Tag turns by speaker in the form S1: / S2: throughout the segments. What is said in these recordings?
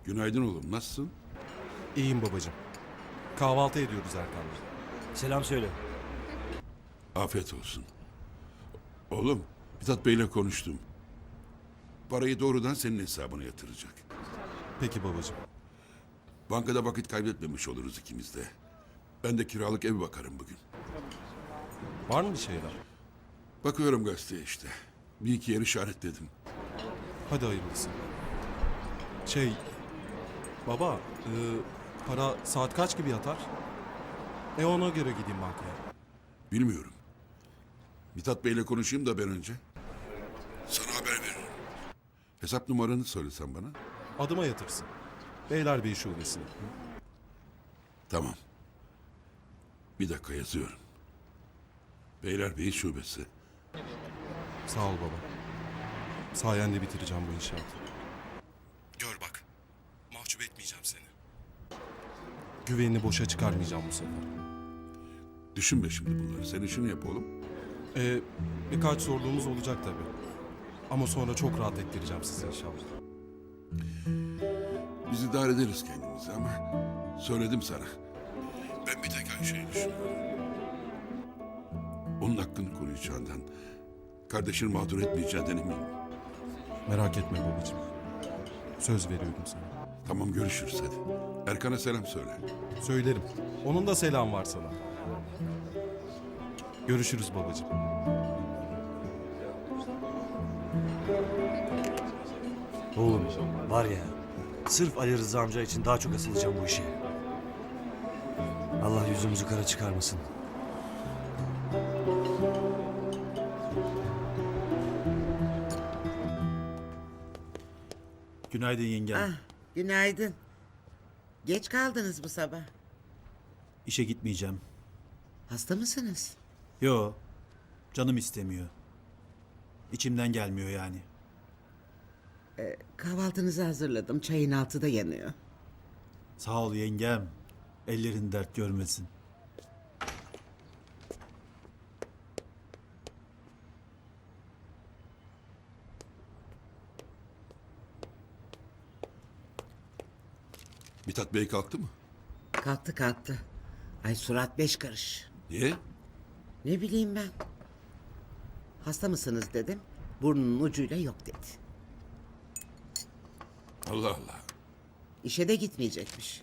S1: Günaydın oğlum, nasılsın?
S2: İyiyim babacığım. Kahvaltı ediyoruz Erkan'la.
S3: Selam söyle.
S1: Afiyet olsun. Oğlum, Mithat Bey'le konuştum. Parayı doğrudan senin hesabına yatıracak.
S2: Peki babacığım.
S1: Bankada vakit kaybetmemiş oluruz ikimiz de. Ben de kiralık ev bakarım bugün.
S2: Var mı bir şeyler?
S1: Bakıyorum gazeteye işte. Bir iki yer işaretledim.
S2: Hadi hayırlısı. Şey... Baba, para saat kaç gibi yatar? Ona göre gideyim bankaya.
S1: Bilmiyorum. Mithat Bey'le konuşayım da ben önce. Sana haber veririm. Hesap numaranı söylesen bana.
S2: Adıma yatırsın. Beylerbeyi şubesine.
S1: Tamam. Bir dakika yazıyorum. Beylerbeyi Şubesi.
S2: Sağ ol baba. Sayende bitireceğim bu inşaatı. Gör bak. Mahcup etmeyeceğim seni. Güvenini boşa çıkarmayacağım bu sefer.
S1: Düşünme şimdi bunları. Sen işini yap oğlum.
S2: Birkaç sorduğumuz olacak tabii. Ama sonra çok rahat ettireceğim sizi inşallah.
S1: Biz idare ederiz kendimizi ama söyledim sana. Ben bir tek Ayşe'yi düşünüyorum. Onun hakkını koruyacağından, kardeşini mağdur etmeyeceğinden eminim.
S2: Merak etme babacığım. Söz veriyorum sana.
S1: Tamam, görüşürüz hadi. Erkan'a selam söyle.
S2: Söylerim. Onun da selam var sana. Görüşürüz babacığım.
S3: Oğlum var ya, sırf Ali Rıza amca için daha çok asılacağım bu işe. Allah yüzümüzü kara çıkarmasın.
S4: Günaydın yengem.
S5: Ah, günaydın. Geç kaldınız bu sabah.
S4: İşe gitmeyeceğim.
S5: Hasta mısınız?
S4: Yo, canım istemiyor. İçimden gelmiyor yani.
S5: Kahvaltınızı hazırladım. Çayın altı da yanıyor.
S4: Sağ ol yengem. Ellerin dert görmesin.
S1: Mithat Bey kalktı mı?
S5: Kalktı kalktı. Ay surat 5 karış.
S1: Niye?
S5: Ne bileyim ben. Hasta mısınız dedim. Burnunun ucuyla yok dedi.
S1: Allah Allah.
S5: İşe de gitmeyecekmiş.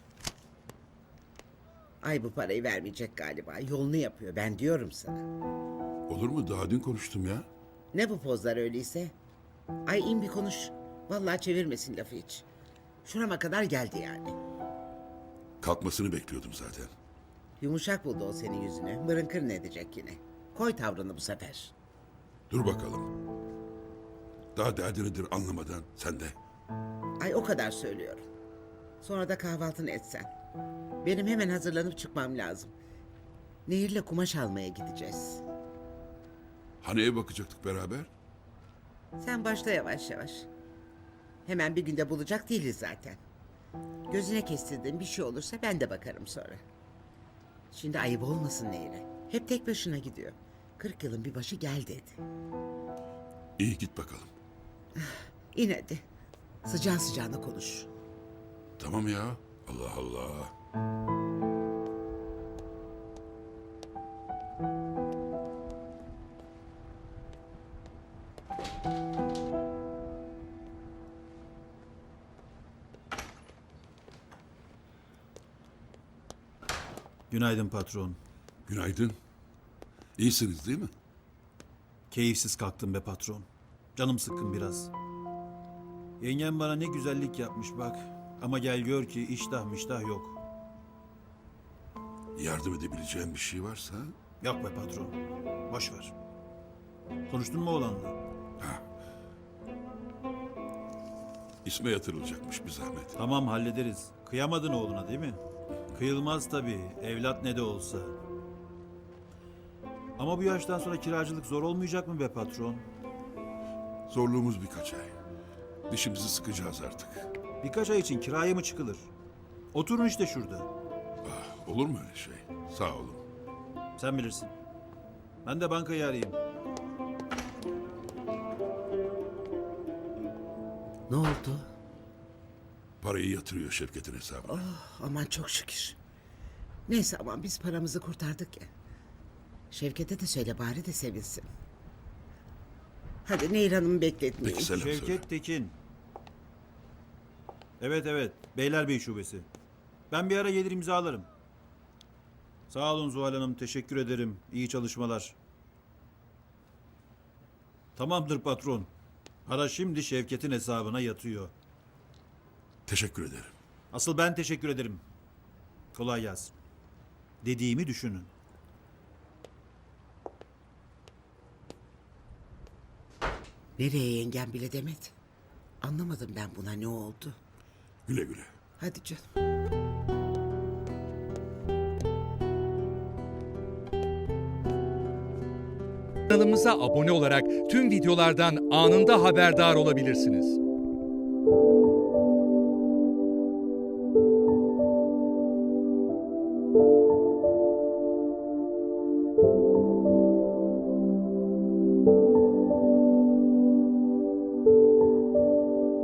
S5: Ay bu parayı vermeyecek galiba. Yolunu yapıyor. Ben diyorum sana.
S1: Olur mu? Daha dün konuştum ya.
S5: Ne bu pozlar öyleyse? Ay in bir konuş. Vallahi çevirmesin lafı hiç. Şurama kadar geldi yani.
S1: Kalkmasını bekliyordum zaten.
S5: Yumuşak buldu o senin yüzünü. Mırın kırın edecek yine. Koy tavrını bu sefer.
S1: Dur bakalım. Daha derdi nedir anlamadan sen de.
S5: Ay o kadar söylüyorum. Sonra da kahvaltını etsen. Benim hemen hazırlanıp çıkmam lazım. Nehir'le kumaş almaya gideceğiz.
S1: Hani ev bakacaktık beraber?
S5: Sen başla yavaş yavaş. Hemen bir günde bulacak değiliz zaten. Gözüne kestirdiğin bir şey olursa ben de bakarım sonra. Şimdi ayıp olmasın Nehir'e. Hep tek başına gidiyor. 40 yılın bir başı gel dedi.
S1: İyi, git bakalım.
S5: İn hadi. Sıcağı sıcağına konuş.
S1: Tamam ya. Allah Allah.
S4: Günaydın patron.
S1: Günaydın. İyisiniz değil mi?
S4: Keyifsiz kalktım be patron. Canım sıkkın biraz. Yengem bana ne güzellik yapmış bak. Ama gel gör ki iştah miştah yok.
S1: Yardım edebileceğim bir şey varsa...
S4: Yok be patron. Boş ver. Konuştun mu oğlanla?
S1: İsme yatırılacakmış bir zahmet.
S4: Tamam hallederiz. Kıyamadın oğluna değil mi? Kıyılmaz tabii. Evlat ne de olsa. Ama bu yaştan sonra kiracılık zor olmayacak mı be patron?
S1: Zorluğumuz birkaç ay. Dişimizi sıkacağız artık.
S4: Birkaç ay için kiraya mı çıkılır? Oturun işte şurada.
S1: Olur mu öyle şey? Sağ olun.
S4: Sen bilirsin. Ben de bankayı arayayım.
S5: Ne oldu?
S1: Parayı yatırıyor Şevket'in hesabına.
S5: Aman çok şükür. Neyse aman biz paramızı kurtardık ya. Şevket'e de söyle bari de sevinsin. Hadi Nehir Hanım'ı bekletmeyin.
S1: Peki selam söyle.
S4: Şevket Tekin. Evet evet. Beylerbeyi Şubesi. Ben bir ara gelir imzalarım. Sağ olun Zuhal Hanım. Teşekkür ederim. İyi çalışmalar. Tamamdır patron. Para şimdi Şevket'in hesabına yatıyor.
S1: Teşekkür ederim.
S4: Asıl ben teşekkür ederim. Kolay gelsin. Dediğimi düşünün.
S5: Nereye yengem bile demedi. Anlamadım ben buna ne oldu.
S1: Güle güle.
S5: Hadi canım.
S6: Kanalımıza abone olarak tüm videolardan anında haberdar olabilirsiniz.